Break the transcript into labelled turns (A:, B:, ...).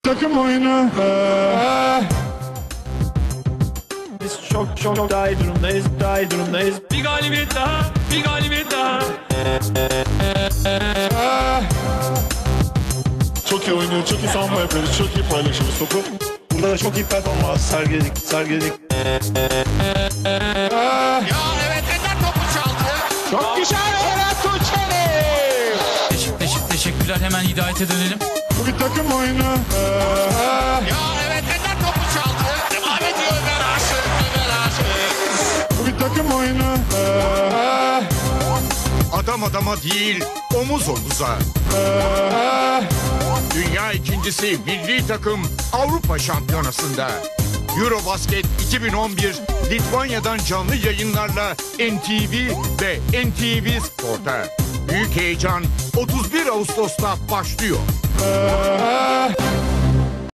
A: Takım oyunu. Biz çok daha iyi durumdayız. Bir galibiyet daha.
B: Çok iyi oynuyor, çok iyi savunma yapıyoruz, çok iyi paylaşıyoruz topu. Burada da çok iyi performans sergiledik.
C: Ya evet, Ender topu çaldı.
A: Çok güzel Ferhat Tuğçeli.
D: Teşekkürler, hemen Hidayet'e dönelim.
A: Bu bir takım oyunu.
C: Ya evet, Ender topu çaldı. Devam ediyor Ömer Aşık.
A: Bu bir takım oyunu.
E: Adam adama değil, omuz omuza. Dünya ikincisi milli takım Avrupa Şampiyonası'nda. Eurobasket 2011 Litvanya'dan canlı yayınlarla NTV ve NTV Spor'ta. Büyük heyecan 31 Ağustos'ta başlıyor.